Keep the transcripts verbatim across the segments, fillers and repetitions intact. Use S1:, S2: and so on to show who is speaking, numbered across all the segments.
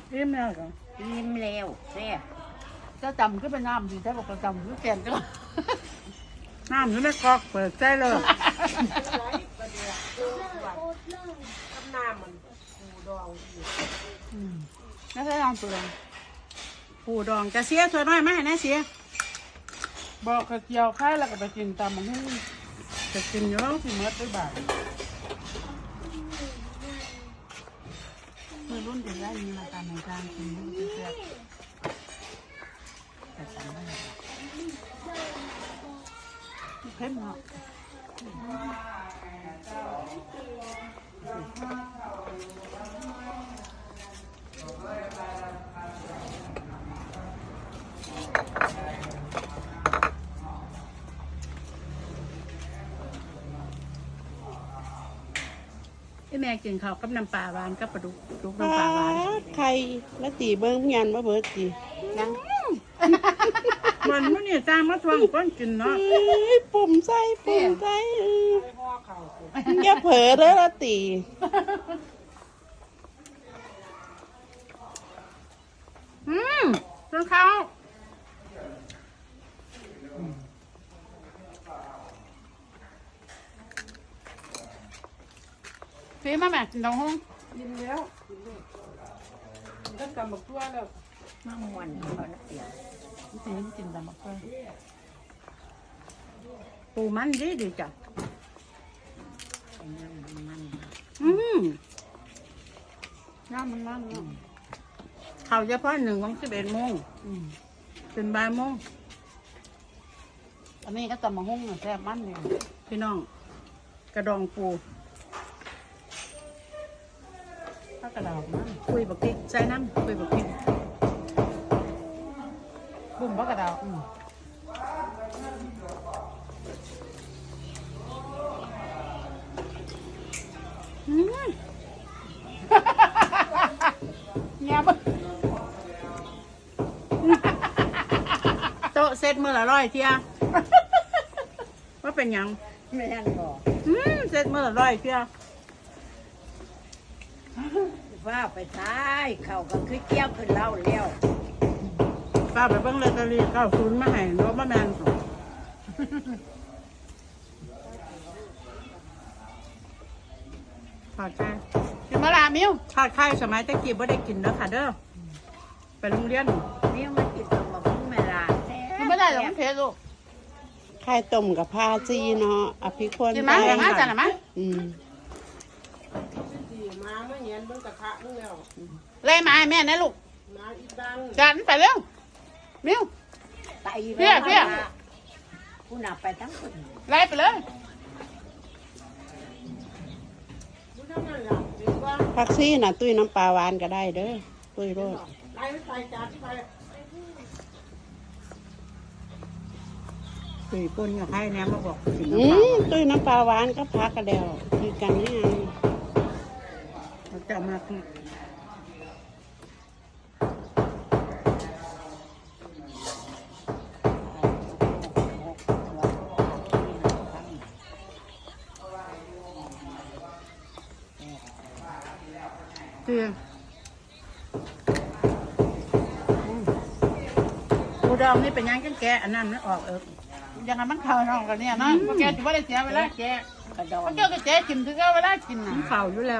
S1: อิ่มแล้วก็
S2: ยิ้มแล้วแซ่บ
S1: จะจำก็เป็นน้ำดีถ้าบอกจำก็แกนก็น้ำอยู่ในกอกเปิดใจเลยน้ำมันปูดองแล้วใช้ลองปูดองปูดองจะเสียตัวน้อยไหมนะเสียบอกกระเจียวไข่แล้วก็ไปกินตามมันให้จะกินอยู่แล้วสิเมื่อด้วยบาทเมื่อรุ่นเป็นไรมีมาตามในการกินมันจะเสียแต่สั่งได้เผ็ดเนาะแม่กินข้าวกับน้ำปลาหวานกับปลาดุกดุกน้ำปลาหวาน
S3: ไข่แล้วตีเบิ้งยันว่าเบิร์ดตี
S1: ยังมันมันนี่ตามมาทวงก้อนกินเนาะ
S3: ปุ่มใส่ปุ่มใส่อย่าเผลอเด้อละตี
S1: อืมจนเขาฟีมาแม่กินดองห้องกินแล้วกินแล้วก็กำบักตัวแล้ว
S2: มะม่วนเขานักเสีย
S1: ฟีมกินดำบักตัวปูมันดีดีจ้ะ
S2: มัน
S1: อืมน้ำมันมันเนาะเขาเฉพาะหนึ่งของสิบเอ็ดโมงเป็นบ่ายโมงอันนี้ก็ตำมะฮุ่งแซ่บมันเลยพี่น้องกระดองปูถ้ากระดองมันคุยบักพริกใส่น้ำคุยบักพริกบุ่มบักกระดองอืมอืมเงียบโต๊ะเซ็ตมือละร้อยเทียว่าเป็นยัง
S2: ไม่ทันบอก
S1: อืมเซ็ตมือละร้อยเทีย
S2: ว่าไปท้ายเขาก็คือเกี้ยวขึ้นเล่าเลี้ยว
S1: ป้าไปเบิ้งลอตเตอรี่เก้าศูนย์มาให้รถมาแมนทอดไข่กินมะลามิวทอดไข่สมัยตะกี้บ่ได้กินเด้อค่ะเด้อไปโรงเรียน
S2: นี่มากินตรงมาพุ่งเวลา
S1: กินไม่ได้หรอกมันเผ็ดลูก
S3: ไข่ต้มกับผ้าจีเนาะอภิคน
S1: กินมั้ยมาจังมั้ย
S3: อืม
S1: มาเมื่อเย็นเบิ่งกระทะมึงแล้วเลยมาแม่นะลูกมาอีดังจันไปเร็วมิว
S2: ไปเพี้ยเพี้ยผู้นับไปทั้งคน
S1: ไล่ไปเลย
S3: ผักซี่น่ะตุ้ยน้ำปลาหวานก็ได้เด้อตุ้ยโรด
S1: ไล่ไปจัดไปตุ้ยปนกับใครเนี่ยมาบอก
S3: อืมตุ้ยน้ำปลาหวานก็พักกันแล้วคือกันนี่ไง
S1: เราจะมาคือเตียงปูดองนี่เป็นยังกันแกอันนั้นมันออกเออยังไงมันเข่าน้องกันเนี่ยนะแกถือว่าได้เสียเวลาแก
S2: กระดอง
S1: แกก็แกกินถือว่าเวลากินน่ะเข่าอยู่แล้ว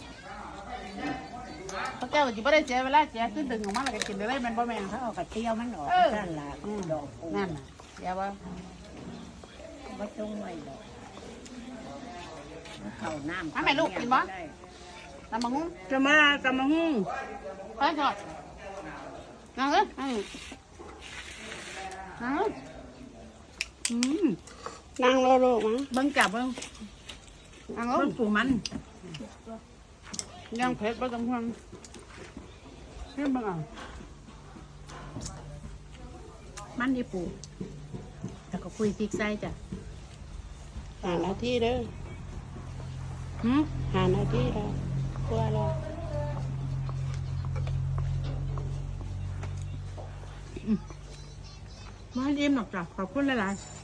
S1: แกก็ถือว่าได้เสียเวลาแกขึ้นดึงออกมาแล้วก็กินได้มันบ่แม่น
S2: เขาเอากระเทียมมันออกนั่นแหละดอกปู
S1: นั่นน่ะเดี๋ยวว่า
S2: ไม่ต้องไว้ดอกเขาน้ำ
S1: ทำไมลูกกินบ่ตำมะฮุ่งจะมาตำมะฮุ่งไปก่อนนั่งเลยนั่งเลยอืม
S3: นั่งโลโลมั้ง
S1: เบิ้งจับเบิ้งนั่งเลยเบิ้งปูมันยังเผ็ดบ่ต้องห่วงเฮ้ยบ้างอ่ะมันดีปูแต่ก็คุยพริกใส่จ้ะ
S3: หานาทีเด้อ
S1: หืม
S3: หานาทีแล้วกลัวแล้ว
S1: มาเยี่ยมหรอกจ้ะขอบคุณหลายๆ